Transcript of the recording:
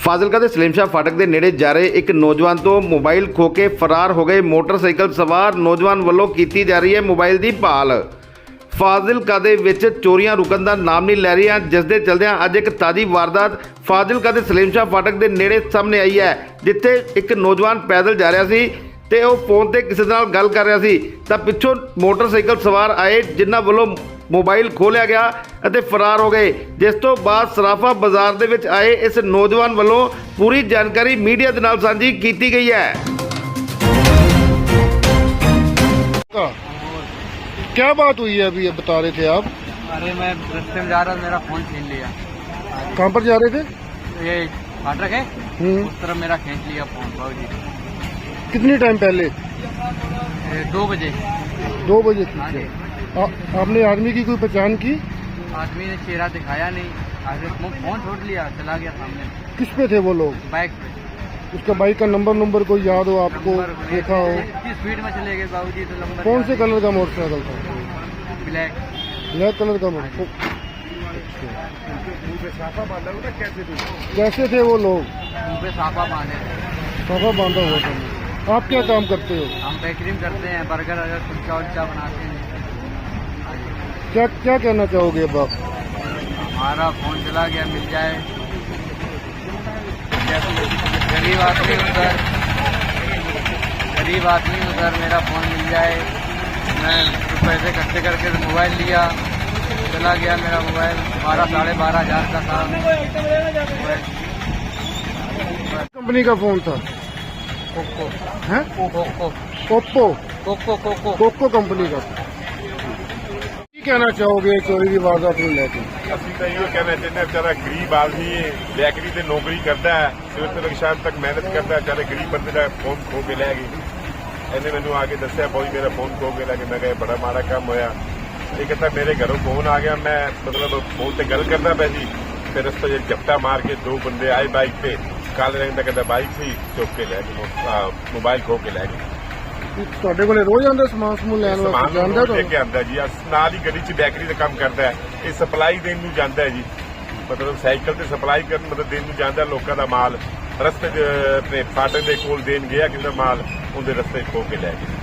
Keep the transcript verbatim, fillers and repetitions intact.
ਫਾਜ਼ਿਲਕਾ ਦੇ ਸਲੀਮ ਸ਼ਾਹ ਫਾਟਕ ਦੇ ਨੇੜੇ ਜਾ ਰਹੇ ਇੱਕ ਨੌਜਵਾਨ ਤੋਂ ਮੋਬਾਈਲ ਖੋ ਕੇ ਫਰਾਰ ਹੋ ਗਏ ਮੋਟਰਸਾਈਕਲ ਸਵਾਰ ਨੌਜਵਾਨ ਵੱਲੋਂ ਕੀਤੀ ਜਾ ਰਹੀ ਹੈ ਮੋਬਾਈਲ ਦੀ ਭਾਲ। ਫਾਜ਼ਿਲਕਾ ਦੇ ਵਿੱਚ ਚੋਰੀਆਂ ਰੁਕਣ ਦਾ ਨਾਮ ਨਹੀਂ ਲੈ ਰਹੀਆਂ, ਜਿਸ ਦੇ ਚਲਦਿਆਂ ਅੱਜ ਇੱਕ ਤਾਜ਼ੀ ਵਾਰਦਾਤ ਫਾਜ਼ਿਲਕਾ ਦੇ ਸਲੀਮ ਸ਼ਾਹ ਫਾਟਕ ਦੇ ਨੇੜੇ ਸਾਹਮਣੇ ਆਈ ਹੈ, ਜਿੱਥੇ ਇੱਕ ਨੌਜਵਾਨ ਪੈਦਲ ਜਾ ਰਿਹਾ ਸੀ ਤੇ ਉਹ ਫੋਨ ਤੇ ਕਿਸੇ ਨਾਲ ਗੱਲ ਕਰ ਰਿਹਾ ਸੀ ਤਾਂ ਪਿੱਛੋਂ ਮੋਟਰਸਾਈਕਲ ਸਵਾਰ ਆਏ, ਜਿਨ੍ਹਾਂ ਵੱਲੋਂ मोबाइल खोलिया गया ਅਤੇ फरार हो गए। जिस तो बाद सराफा बाजार ਦੇ ਵਿੱਚ आए इस नौजवान ਵੱਲੋਂ पूरी जानकारी मीडिया ਦੇ ਨਾਲ ਸਾਂਝੀ ਕੀਤੀ गई है। क्या बात हुई है अभी ये बता रहे थे आप? अरे मैं रस्ते में जा रहा था, मेरा फोन छीन लिया। कहाँ पर जा रहे थे? ये फाटक है, उस तरफ मेरा खींच लिया फोन बाबूजी। कितनी टाइम पहले? ये दो बजे। दो बजे ठीक है। आ, आपने आदमी की कोई पहचान की? आदमी ने चेहरा दिखाया नहीं, आगे फोन छोड़ लिया, चला गया सामने। किस पे थे वो लोग? बाइक पे। उसका बाइक का नंबर नंबर कोई याद हो आपको? देखा हो? इतनी स्पीड में चले गए बाबूजी, तो नंबर कौन से कलर का मोटरसाइकिल था? ब्लैक। ब्लैक कलर का मोटरसाइकिल। कैसे थे वो लोग? मुँह पे साफा बांधे थे। साफा बांधा हुआ था। आप क्या काम करते हो? हम बेकरी में करते हैं, बर्गर अगर कुल्चा उल्चा बनाते हैं। क्या क्या कहना चाहोगे अब आप? हमारा फोन चला गया, मिल जाए। गरीब आदमी हूँ सर, गरीब आदमी हूँ सर, मेरा फोन मिल जाए। मैं पैसे इकट्ठे करके मोबाइल लिया, चला गया मेरा मोबाइल। बारह साढ़े बारह हजार का था। कंपनी का फोन था? कोको है? कोको ओप्पो कोको कोको कोको कंपनी का। ਕੀ ਕਹਿਣਾ ਚਾਹੋਗੇ ਚੋਰੀ ਦੀ ਵਾਰਦਾਤ ਨੂੰ ਲੈ ਕੇ? ਅਸੀਂ ਤਾਂ ਇਹੋ ਕਹਿਣਾ ਚਾਹੁੰਦੇ ਹਾਂ, ਵਿਚਾਰਾ ਗਰੀਬ ਆਦਮੀ ਹੈ, ਬੈਕਰੀ ਤੇ ਨੌਕਰੀ ਕਰਦਾ ਹੈ, ਸਵੇਰ ਤੋਂ ਲੈ ਕੇ ਸ਼ਾਮ ਤੱਕ ਮਿਹਨਤ ਕਰਦਾ ਹੈ, ਵਿਚਾਰੇ ਗਰੀਬ ਬੰਦੇ ਦਾ ਫੋਨ ਖੋ ਕੇ ਲੈ ਗਏ। ਇਹਨੇ ਮੈਨੂੰ ਆ ਕੇ ਦੱਸਿਆ ਬੋਈ ਮੇਰਾ ਫੋਨ ਖੋ ਕੇ ਲੈ ਕੇ। ਮੈਂ ਕਿਹਾ ਬੜਾ ਮਾੜਾ ਕੰਮ ਹੋਇਆ। ਇਹ ਕਹਿੰਦਾ ਮੇਰੇ ਘਰੋਂ ਫੋਨ ਆ ਗਿਆ, ਮੈਂ ਮਤਲਬ ਫੋਨ ਤੇ ਗੱਲ ਕਰਦਾ ਪਿਆ ਸੀ, ਫਿਰ ਉਸ ਤੋਂ ਜੇ ਝਪਟਾ ਮਾਰ ਕੇ ਦੋ ਬੰਦੇ ਆਏ ਬਾਈਕ ਤੇ, ਕਾਲੇ ਰੰਗ ਦਾ ਕਹਿੰਦਾ ਬਾਈਕ ਸੀ, ਚੁੱਕ ਕੇ ਲੈ ਗਏ, ਮੋਬਾਈਲ ਖੋ ਕੇ ਲੈ ਗਏ। ਤੁਹਾਡੇ ਕੋਲੇ ਰੋਜ਼ ਆਉਂਦਾ ਸਮਾਨ ਸਮੂਨ ਲੈਣ ਵਾਸਤੇ? ਜਾਂਦਾ ਲੈ ਕੇ ਆਉਂਦਾ ਜੀ, ਨਾਲ ਹੀ ਗੱਡੀ 'ਚ ਬੈਕਰੀ ਦਾ ਕੰਮ ਕਰਦਾ ਹੈ। ਇਹ ਸਪਲਾਈ ਦੇਣ ਨੂੰ ਜਾਂਦਾ ਹੈ ਜੀ, ਮਤਲਬ ਸਾਈਕਲ ਤੇ ਸਪਲਾਈ ਕਰਨ ਮਤਲਬ ਦੇਣ ਨੂੰ ਜਾਂਦਾ ਲੋਕਾਂ ਦਾ ਮਾਲ। ਰਸਤੇ 'ਚ ਆਪਣੇ ਫਾਟਕ ਦੇ ਕੋਲ ਦੇਣ ਗਿਆ ਕਿੰਨਾ ਮਾਲ, ਉਹਦੇ ਰਸਤੇ ਖੋ ਕੇ ਲੈ ਗਏ।